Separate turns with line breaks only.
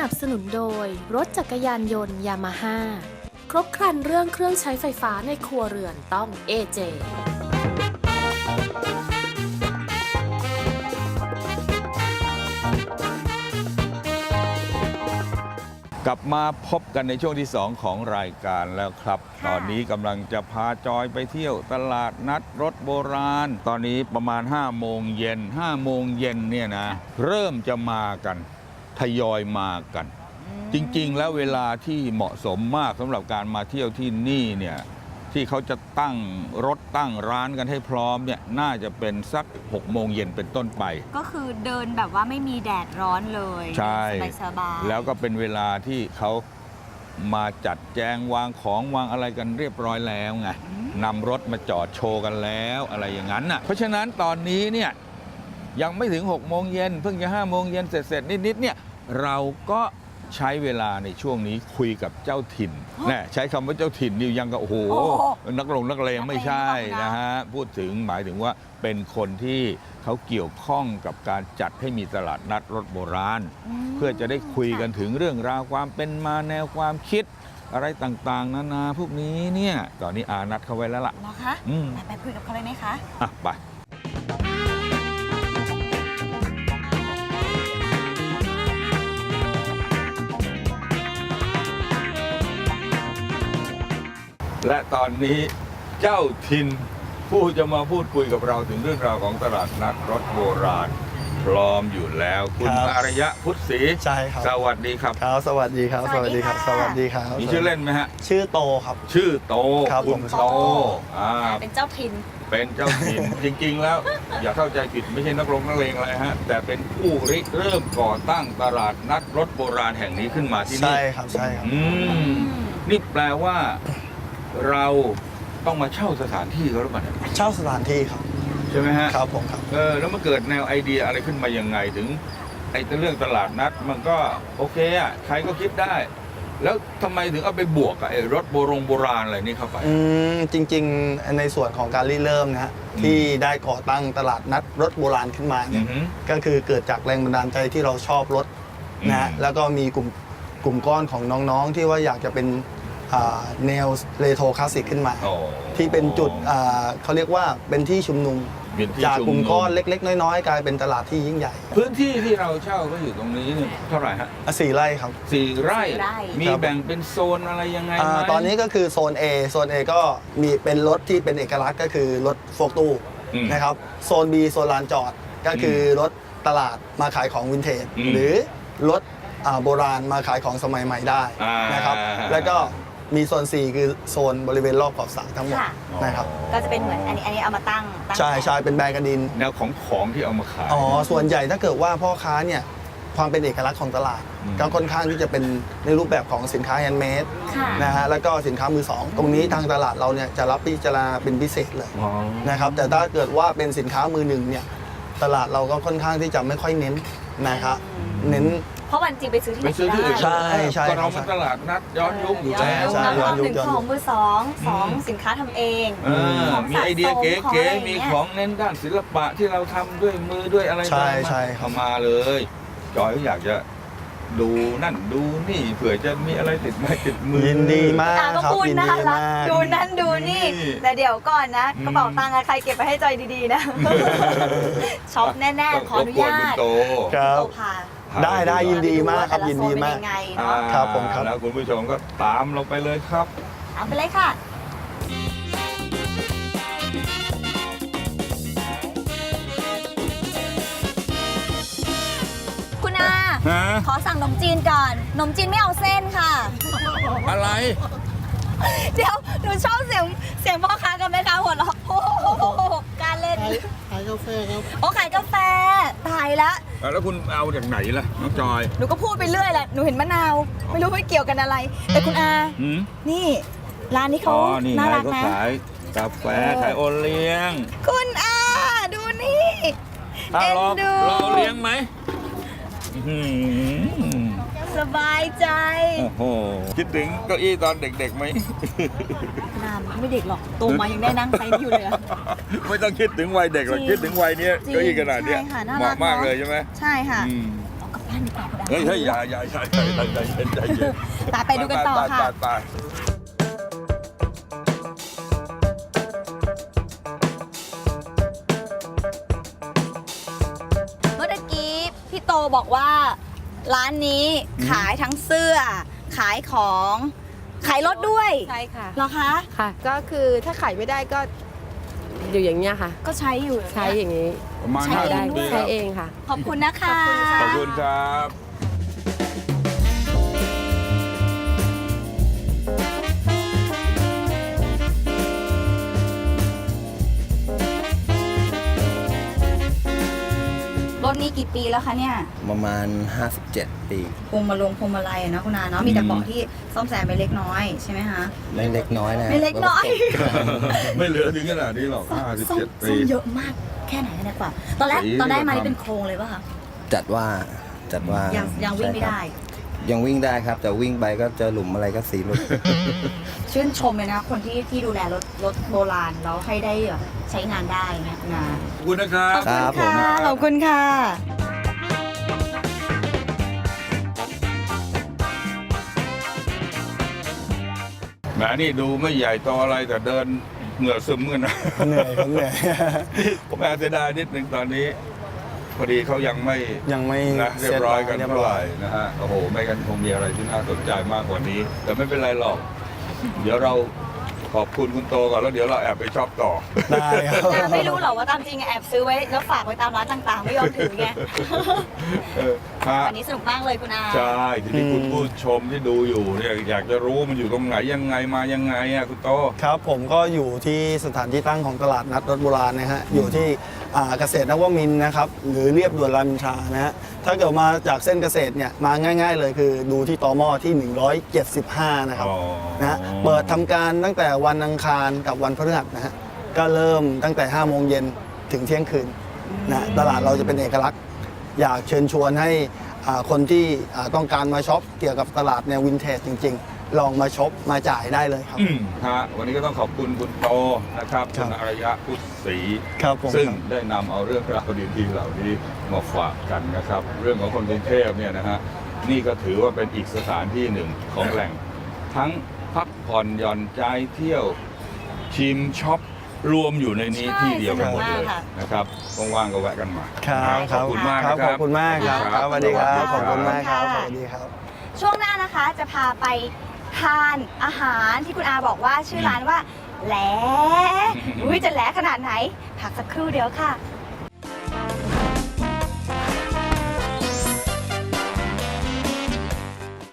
นับสนุนโดยรถจักรยานยนต์ยามาฮ่าครบครันเรื่องเครื่องใช้ไฟฟ้าในครัวเรือนต้อง AJ
กลับมาพบกันในช่วงที่ 2 ของรายการแล้วครับ ตอนนี้กำลังจะพาจอยไปเที่ยวตลาดนัดรถโบราณ ตอนนี้ประมาณ5 โมงเย็น5 โมงเย็นเนี่ยนะเริ่มจะมากันทยอยมากัน จริงๆแล้วเวลาที่เหมาะสมมากสำหรับการมาเที่ยวที่นี่เนี่ยที่เขาจะตั้งรถตั้งร้านกันให้พร้อมเนี่ยน่าจะเป็นสัก6 โมงเย็นเป็นต้นไป
ก็คือเดินแบบว่าไม่มีแดดร้อนเลย
ใช่
สบายๆ
แล้วก็เป็นเวลาที่เขามาจัดแจงวางของวางอะไรกันเรียบร้อยแล้วไงนำรถมาจอดโชว์กันแล้วอะไรอย่างนั้นน่ะเพราะฉะนั้นตอนนี้เนี่ยยังไม่ถึง6 โมงเย็นเพิ่งจะ5 โมงเย็นเสร็จนิดๆเนี่ยเราก็ใช้เวลาในช่วงนี้คุยกับเจ้าถิ่นแน่ใช้คำว่าเจ้าถิ่นนี่ยังก็โอ้โหนักเลงไม่ใช่นะฮะพูดถึงหมายถึงว่าเป็นคนที่เขาเกี่ยวข้องกับการจัดให้มีตลาดนัดรถโบราณเพื่อจะได้คุยกันถึงเรื่องราวความเป็นมาแนวความคิดอะไรต่างๆนานาพวกนี้เนี่ยตอนนี้อานัดเขาไว้แล้วล่ะ
นะคะไปคุยกับเขาเลยไหมคะ
อ่ะไปและตอนนี้เจ้าถิ่นผู้จะมาพูดคุยกับเราถึงเรื่องราวของตลาดนัดรถโบราณพร้อมอยู่แล้วคุณอารยะพุทธศรี
ใช่ครับ
สวัสดีครับ
ครับสวัสดีครับสวัสดีครับสวัสดีครับ
มีชื่อเล่นไหมฮะ
ชื่อโตครับ
ชื่อโต
คุณ
โต
เป็นเจ้าถิ่น
เป็นเจ้าถิ่น จริงๆแล้วอย่าเข้าใจผิดไม่ใช่นักเลงอะไรฮะแต่เป็นผู้ริเริ่มก่อตั้งตลาดนัดรถโบราณแห่งนี้ขึ้นมาที่นี่
ใช่ครับใช่ครับ
นี่แปลว่าเราต้องมาเช่าสถานที่เขาหรือเปล่าเนี่ย
เช่าสถานที่ครับ
ใช่ไหมฮะ
ครับผมครับ
แล้วมันเกิดแนวไอเดียอะไรขึ้นมายังไงถึงไอ้เรื่องตลาดนัดมันก็โอเคอ่ะใครก็คิดได้ แล้วทำไมถึงเอาไปบวกกับไอ้รถโบราณอะไรนี่เข้าไป
จริงๆในส่วนของการเริ่มนะฮะที่ได้ก่อตั้งตลาดนัดรถโบราณขึ้นมาเนี่ยก็คือเกิดจากแรงบันดาลใจที่เราชอบรถนะฮะแล้วก็มีกลุ่มก้อนของน้องๆที่ว่าอยากจะเป็นแนวเรโทรคลาสสิกขึ้นมาที่เป็นจุดเขาเรียกว่าเป็นที่ชุมนุมจากกลุ่มก้อนเล็กๆน้อยๆกลายเป็นตลาดที่ยิ่งใหญ่
พื้นที่ที่เราเช่าก็อยู่ตรงนี้เท่าไหร่ฮะ
4 ไร่ครับ
4 ไร่มีแบ่งเป็นโซนอะไรยังไงไหม
ตอนนี้ก็คือโซน A ก็มีเป็นรถที่เป็นเอกลักษณ์ก็คือรถโฟล์คตู้นะครับโซน B โซนลานจอดก็คือรถตลาดมาขายของวินเทจหรือรถโบราณมาขายของสมัยใหม่ได้นะครับแล้วก็มีโซน 4 คือโซนบริเวณรอบขอบสระทั้งหมดนะครับ
ก็จะเป็นเหมือนอันนี้เอามาตั้ง
ใช่เป็นแบรนด์กันดิน
แนวของที่เอามาขาย
ส่วนใหญ่ถ้าเกิดว่าพ่อค้าเนี่ยความเป็นเอกลักษณ์ของตลาดก็ค่อนข้างที่จะเป็นในรูปแบบของสินค้าแฮนด์เมดนะฮะแล้วก็สินค้ามือสองตรงนี้ทางตลาดเราเนี่ยจะรับพิจารณาเป็นพิเศษเลยนะครับแต่ถ้าเกิดว่าเป็นสินค้ามือหนึ่งเนี่ยตลาดเราก็ค่อนข้างที่จะไม่ค่อยเน้นนะครับเน้น
เพราะวันจริงไปซื้อที่ไหน
ใช่
ก็เราเป็นตลาดนัดย้อนยุคอยู่แล้ว
1ของมือ2สินค้าทำเอง
มีไอเดียเก๋ๆมีของเน้นด้านศิลปะที่เราทำด้วยมือด้วยอะไรเข้ามาเลยจอยอยากจะดูนั่นดูนี่เผื่อจะมีอะไรติดไม้ติดมือ
ยินดีมาก
ครับยินดีมากดูนั่นดูนี่แต่เดี๋ยวก่อนนะกระเป๋าตังค์ใครเก็บไปให้จอยดีๆนะช็อปแน่ๆขออนุญาต
ครับได้ยินดีมากครับยินดีมากครับผมครับ
แล้วคุณผู้ชมก็ตามเราไปเลยครับ
ตามไปเลยค่ะคุณอาขอสั่งขนมจีนก่อนขนมจีนไม่เอาเส้นค่ะ
อะไร
เดี๋ยวหนูชอบเสียงพ่อค้ากับแม่ค้าหัวเราะการเล่น
ขายกาแฟครับ
ขายกาแฟตายแล้ว
แล้วคุณเอาจากไหนล่ะน้องจอย
หนูก็พูดไปเรื่อยแหละหนูเห็นมะนาวไม่รู้ว่าเกี่ยวกันอะไรแต่คุณอานี่ร้านนี้เขาน่ารักนะ
ขายกาแฟขายโอเลี้ยง
คุณอาดูนี่
เอ็นดูเราเลี้ยงไหม
สบายใจ
โอ้โหคิดถึงเก้าอี้ตอนเด็กๆไหม
ไม่เด็กหรอกโตมายังได้นั่งไซส์อยู่เลย
ไม่ต้องคิดถึงวัยเด็กหรอกคิดถึงวัยนี้เก้าอี้ขนาดนี้เหมาะมากเลยใช่ไหม
ใช่ค่ะกาแฟบ้านดีกว่าคุณอา
เฮ้ยอย่าใจเย็นใจเย็น
ไปดูกันต่อค่ะ
ไป
เมื่อกี้พี่โตบอกว่าร้านนี้ขายทั้งเสื้อ ขายของขายรถด้วย
ใช่ค่ะ
เหรอคะ
ค่ะ ก็คือถ้าขายไม่ได้ก็อยู่อย่างเงี้ยค่ะ
ก็ใช้อยู่
ใช้อย่างนี้
ประมาณ
ใช้
ห้า
เอง
สิบ
ด้วย
ปี
ใช้
แล้ว
เองค่ะ
ขอบคุณนะคะ
ขอบคุณครับ
รถนี้กี่ปีแล้วคะเนี่ย
ประมาณ 57 ปี
พวงมาลัยอะนะคุณอาเนาะมีแต่เบาะที่ซ่อมแซมไปเล็กน้อยใช่ไหมคะ
ไม่เล็กน้อยนะ
ไม่เล็กน้อย
ไม่เหลือถึงขนาดนี้หรอก
ซ่อม
57 ปี
เยอะมากแค่ไหนเนี่ยกว่า ตอนแรก
สี
ตอนได้มา
ก็
นี่
ทำ
เป็นโครงเลยป่ะคะ
จัดว่า
ยังวิ่งไม่
ใช่ครับ
ได้
ยังวิ่งได้ครับ แต่วิ่งไปก็เจอหลุมอะไรก็สีหลุด
ชื่นชมเลยนะ คนที่ดูแลรถโบราณแล้วให้ได้แบบใช้งานได้เนี่ยคุณอา
ขอบคุณนะครับ
ครับผม
ขอบคุณค่ะ
แหมนี่ดูไม่ใหญ่โตอะไรแต่เดินเหงื่อซึมกันนะ
เหนื่อยครับเหนื่อย
ผมแอบเสียดายนิดหนึ่งตอนนี้ พอดีเขายังไม่
ยังไม่
นะเรียบร้อยกัน
เรียบ
เท่า
ร้
ไห
อย
ร่นะฮะโอ้โหไม่กันคงมีอะไรที่น่าสนใจมากกว่านี้ แต่ไม่เป็นไรหรอก เดี๋ยวเราขอบคุณคุณโตก่อนแล้วเดี๋ยวเราแอบไปช็อปต่อ
ได้ครับ
ไม่รู้หรอกว่าตามจริงแอบซื้อไว้แล้วฝากไว้ตามร้านต่างๆ ไม่ยอมถือไง
เออฮะ
วันนี้สนุกมากเลยคุณอา
ใช่ทีนี้คุณผู้ชมที่ดูอยู่เนี่ยอยากจะรู้มันอยู่ตรงไหนยังไงมายังไงอ่ะคุณโต
ครับผมก็อยู่ที่สถานที่ตั้งของตลาดนัดรถโบราณนะฮะอยู่ที่เกษตรนวมินทร์นะครับหรือเรียบด่วนรามอินทรานะฮะถ้าเกิดมาจากเส้นเกษตรเนี่ยมาง่ายๆเลยคือดูที่ตมที่ 175 นะครับ
อ๋อ
นะฮะเปิดทำการตั้งแต่วันอังคารกับวันพฤหัสนะฮะก็เริ่มตั้งแต่ 5 โมงเย็นถึงเที่ยงคืนนะตลาดเราจะเป็นเอกลักษณ์ อยากเชิญชวนให้คนที่ต้องการมาช็อปเกี่ยวกับตลาดแนววินเทจจริง ๆ ลองมาช็อปมาจ่ายได้เลยครับ
ฮะวันนี้ก็ต้องขอบคุณคุณโตนะครับ
ครั
คุ
บ
ณอารยะพุทธศรี
ครับผม
ซึ่งได้นำเอาเรื่องราวดีๆเหล่านี้มาฝากกันนะครับ เรื่องของคนกรุงเทพเนี่ยนะฮะนี่ก็ถือว่าเป็นอีกสถานที่หนึ่งของแหล่ง ทั้งพักผ่อนหย่อนใจเที่ยวชิมช็อปรวมอยู่ในนี้
ใช่
ที่เดียวกันหมดเลย
สนุกมากค่ะ
นะครับว่างๆก็แวะกันมา
ครับ
ขอบคุณมาก
ครั
นะ
บ
ค
ข
รั
อ
บบ
คุณมากครับ
ครับ
สวัสดีครับ
ข
ข
อ
อ
บบ คุ
คุณ ณ
มาม
าก ก
ค่ะ
ครับสวัสดีครับ
ช่วงหน้านะคะจะพาไปทานอาหารที่คุณอาบอกว่าชื่อร้านว่าแหลอุ้ยจะแหลขนาดไหนพักสักครู่เดียวค่ะ